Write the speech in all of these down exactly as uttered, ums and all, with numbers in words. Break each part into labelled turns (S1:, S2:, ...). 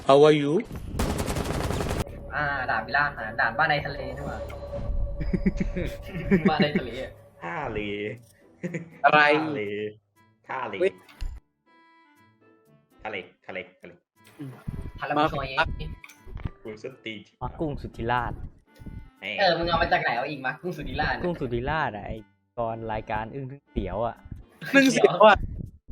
S1: How are you
S2: อ่าด่านพิล่าหาด่านบ้านในทะเลนี่หว่า บ้านในทะเลอะ
S3: ท่าเล
S1: อะไร
S3: ท่าเลท่าเล
S1: เว้ย
S3: ทะเลทะเลทะเล
S2: ทารามิโซเย
S3: คุณสตี
S4: มากุ้งสุธิราช
S2: เออมึงเอามาจากไหนเอาอีกมากุ้งสุธิราช
S4: กุ้งสุธิราชอะไอตอนรายการอึ้งทึ่งเสียวอ่ะ
S1: นึ่งเสียวอ่ะ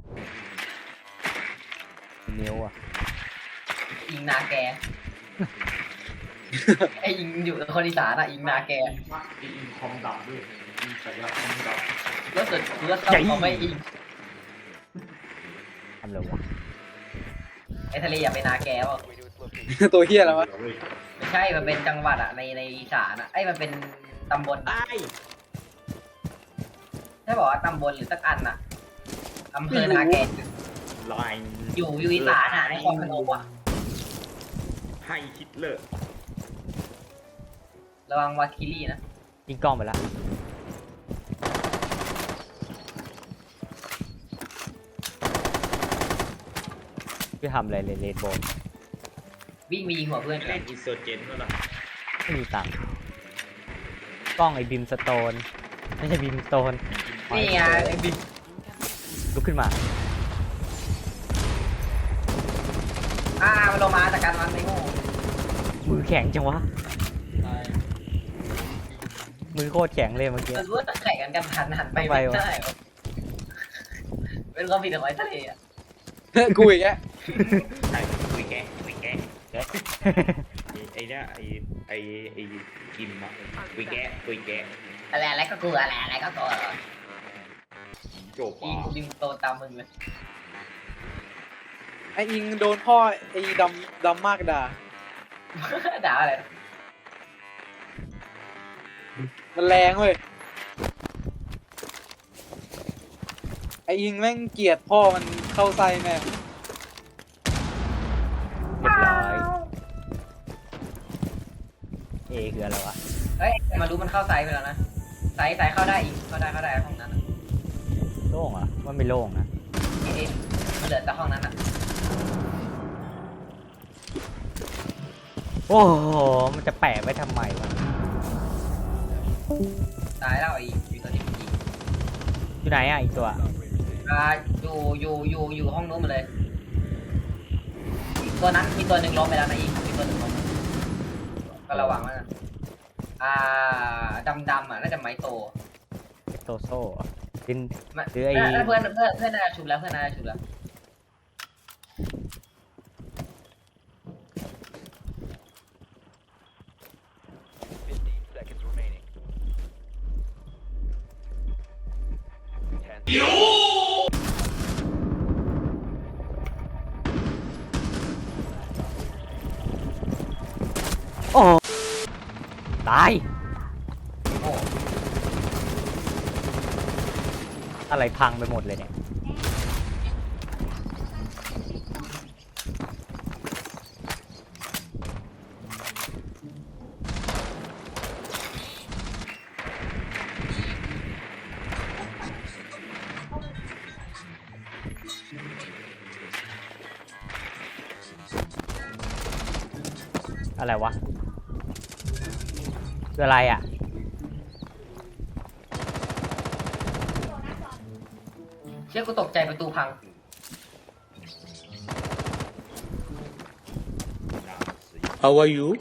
S4: นิ้วอ่ะ
S2: อิงนาแก ไออิงอยู่คนอีสานอะอิงนาแก
S3: อินคอมดับด้วยอินสายคอมดับ
S2: แล้วสุดแล้วเขาเขาไม่อิง
S4: ทำเลยวะ
S2: ไอทะเลอย่าไปนาแกวะ
S1: ตัวเฮียแล้ววะ
S2: ไม่ใช่มันเป็นจังหวัดอะในในอีสานอะไอยมันเป็นตำบล
S3: ไอ้
S2: ถ้าบอกว่าตำบลหรือสักอันอะอำเภอนาแก
S3: ไลน์
S2: อยู่อยู่อีสานอะในคลองพนมอะ
S3: ให้ฮิตเลอร์
S2: ระวังวาคิลี่นะ
S4: ยิงกล้องไปละพี่ทำอะไรเลยเลนโบน
S2: วิ่งมียิงหัวเพื่อนกั
S3: เล่
S2: น
S3: นอินโซเจนก็ล่ะ
S4: ไม่มีตังค์กล้องไอ้บิมสโตนไม่ใช่บิมสโตน
S2: นี่ไงไอ้บิ๊ก
S4: ลุกขึ้นมา
S2: อ่ามันลงมาจากการมันไม่โง่
S4: มือแข็งจังวะมือโคตรแข็งเลยเมื่อกี้
S2: มันรู้ว่าจะแข่งกันกันหันหันไป
S4: ไป
S2: ไม่
S4: วะ
S2: ได้วะเป็นความผิดของไอ้ทะเลอะ
S1: กูอีกแล้ว
S3: ไอ้คุยแกคุยแกไอ้เนี่ยไอ้ไอ้ไอ้กิมอะคุยแกคุยแก
S2: อะไรอะไรก็กลัวอะไรอะไรก็กลัว
S3: โจบ
S2: ยิงยิงโตตามมึงเลย
S1: ไออิงโดนพ่อไอดำดำมากด่า
S2: ด่าอะไร
S1: มันแรงเว้ย ไออิงแม่งเกลียดพ่อมันเข้าไส้แม่ง
S4: เรียบร้อยเอคืออะไรวะ
S2: เฮ้ยมารู้มันเข้าไซส์ไปแล้วนะไซส์ไซส์เข้าได้อีกเข้าได้เข้าได้ห้องนั้นอะ
S4: โล่งเหรอ่ะว่าไม่โล่งนะ
S2: เอ๊ะมันเหลือแต่ห้องนั้นอ่ะ
S4: โอ้โหมันจะแปะไว้ทำไมวะ
S2: ตายแล้วไอ้อยู่ตัวนี้ยิง
S4: อยู่ไหนอ่ะอีกตัว
S2: อ่าอยู่อยู่อยู่อยู่ห้องนู้นหมาเลยอีกตัวนั้นมีตัวหนึ่งล้มไปแล้วนะอีกมีตัวหนึ่งล้มก็ระวังไว้นะอ่าดำดำอ่ะน่าจะไม้โต
S4: โซโซ่กิน
S2: ไม่
S4: หรือไอ้
S2: เพื่อนเพื่อนเพื่อนน่าจะชุบแล้วเพื่อนน่าจะชุบแล้ว
S4: โอ้ตาย
S2: โอ้
S4: อะไรพังไปหมดเลยเนี่ย อะไรวะคืออะไรอ่ะ
S2: เชื่อกูตกใจประตูพัง
S1: How are you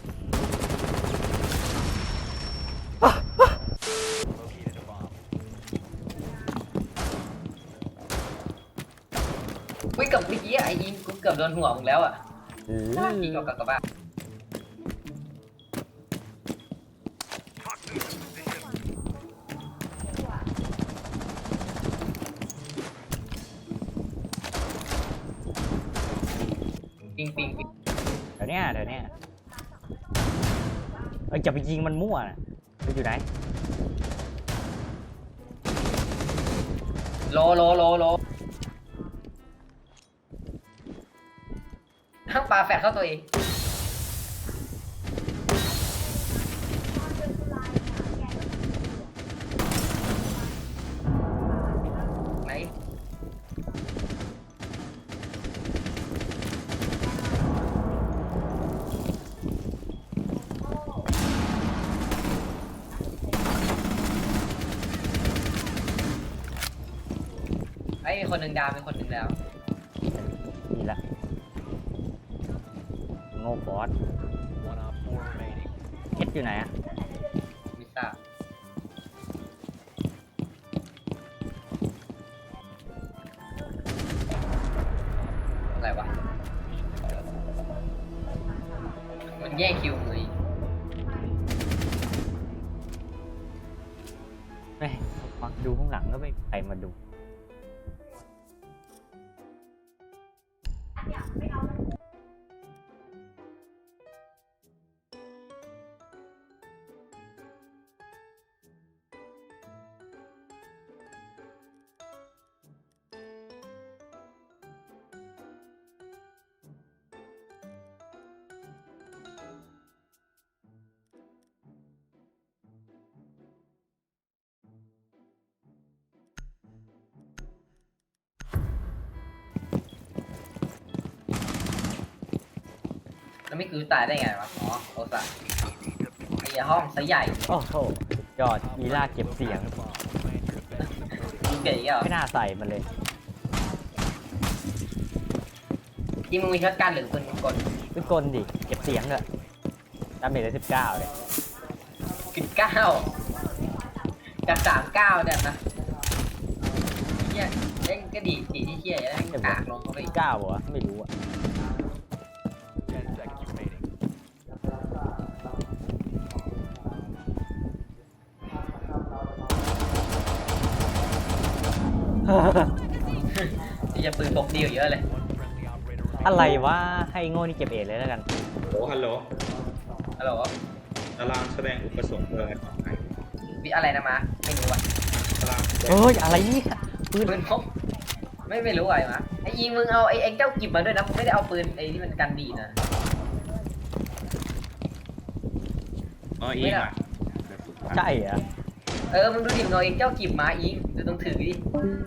S2: วิ่งกับเมื่อกี้ไอ้ยิงกูเกือบโดนหัวมึงแล้วอ่ะ
S4: อืม
S2: ยิงกับกับกับบ้าปิงปิงปิง
S4: เดี๋ยวเนี้ยเดี๋ยวเนี้ยเอ้ยจะไปยิงมันมั่วนะมันอยู่ไหน
S2: โลโลโลโลทั้งปลาแฟดเข้าตัวเองไหนคนหนึ่งดาวมีคนหนึ่งแล้ว
S4: นี่ละโง่ฟอสเฮ็ดอยู่ไหนอะ
S2: มิซ่าอะไรวะมันแย่งคิวเลย
S4: แม่งฟังดูข้างหลังก็ไม่มีใครมาดู
S2: แล้วไม่คือตายได้ไงวะอ๋อโอซาไอ้ห้องซะใหญ่
S4: โอ้โหสุดยอดอีล่าเก็บเสียง
S2: ยิงเก๋อีกเหรอ
S4: ไม่น่าใส่มันเลย
S2: ยิงมึงมีช็อตกันหรือปืนกล
S4: เป็นกลดิ เก็บเสียงเลยดาเมจได้สิบเก้าเลย
S2: สิบเก้าจากสามเก้าเนี่ยนะเฮียเล่นก็ดีดีที่เฮียแล้วกากลงเขาไป
S4: เก้าเหรอไม่รู้อะ
S2: ที่จะปืนพกดีอยู่เยอะเลย
S4: อะไรวะให้โง่นี่เก็บเอทเลยแล้วกัน
S3: โอ้ฮัลโหล
S2: ฮัลโหล
S3: ตารางแสดงอุปสงค์เบอร์ของใคร
S2: วิอะไรนะมาไม่รู้อ่ะ
S3: ตารางแสดง
S4: เอ้ยอะไรเนี่ยปืน
S2: ปืนพกไม่ไม่รู้อะไรมาไอ้ยิงมึงเอาไอ้ไอ้เจ้ากิบมาด้วยนะมึงไม่ได้เอาปืนไอ้ที่มันกันดีนะ
S3: อ๋ออีกอ่ะ
S4: ใช่เหรอ
S2: เออมึงดูดิมึงเอาไอ้เจ้ากิบมาอิงดูต้องถือดิ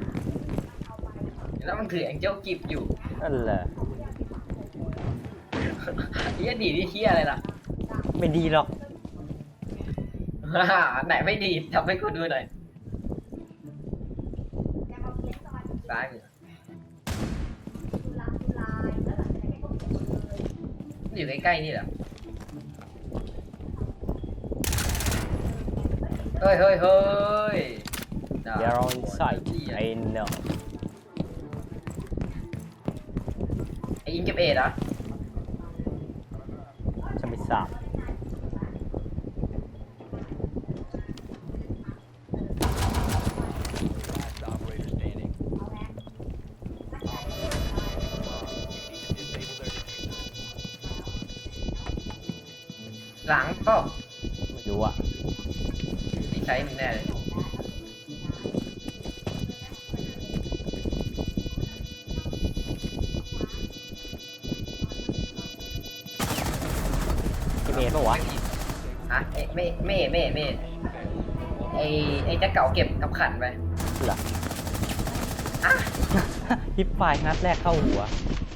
S2: แล้วมันถือไอ้เจ้ากิบอยู่
S4: นั่นแหละ
S2: เฮียดีที่เฮียอะไรล่ะ
S4: ไม่ดีหรอก
S2: ไหนไม่ดีทำให้กูดูหน่อยซ้ายมืออยู่ใกล้ๆนี่เหรอเฮ้ยเฮ้ยเฮ้ย
S4: They're on site I know
S2: ไอ้ยิงเก็บเอ็ดเหรอ
S4: ฉันไม่ทราบ
S2: หลังก็
S4: ไม่รู้อะ
S2: นี่ใช้มึงแน่เลย
S4: เก็บเอทปะวะ
S2: ฮะเอ๊ะไม่ไม่ไม่ไม่ไอ้ไอ้เจ้าเก่าเก็บกับขันไป
S4: เหรอ
S2: อ่ะ
S4: ฮิปไฟนัดแรกเข้าหัว